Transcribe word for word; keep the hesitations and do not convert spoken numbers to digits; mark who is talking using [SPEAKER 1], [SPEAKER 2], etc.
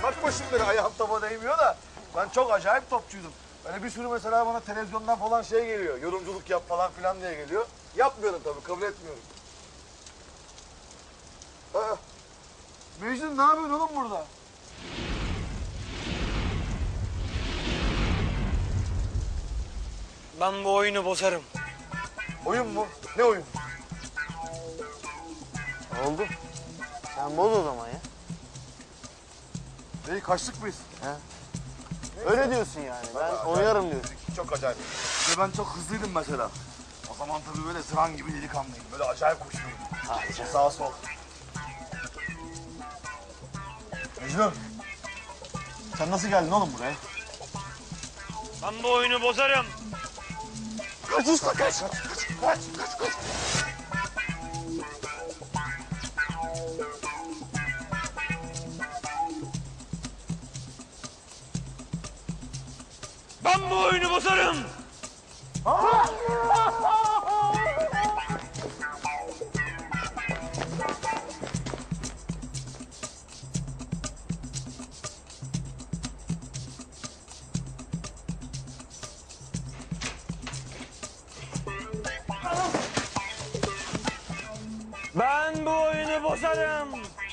[SPEAKER 1] Bakma şimdi ayağım topa değmiyor da ben çok acayip topçuydum. Böyle bir sürü mesela bana televizyondan falan şey geliyor. Yorumculuk yap falan filan diye geliyor. Yapmıyorum tabii, kabul etmiyorum. Aa, Mecnun ne yapıyorsun oğlum burada?
[SPEAKER 2] Ben bu oyunu bozarım.
[SPEAKER 1] Oyun mu? Ne oyun?
[SPEAKER 3] Oldu. Sen boz o zaman ya.
[SPEAKER 1] Neyi, kaçtık mıyız?
[SPEAKER 3] He. Öyle diyorsun yani. Ben oynarım diyorsun.
[SPEAKER 1] Çok acayip. Ve ben çok hızlıydım mesela. O zaman tabii böyle zıran gibi delikanlıyım. Böyle acayip koşuyordum.
[SPEAKER 3] Harika.
[SPEAKER 1] Sağ sol. Mecnun. Sen nasıl geldin oğlum buraya?
[SPEAKER 2] Ben bu oyunu bozarım.
[SPEAKER 1] Kaç usta kaç. Kaç kaç kaç kaç.
[SPEAKER 2] Ben bu oyunu bozarım. Ben bu oyunu bozarım.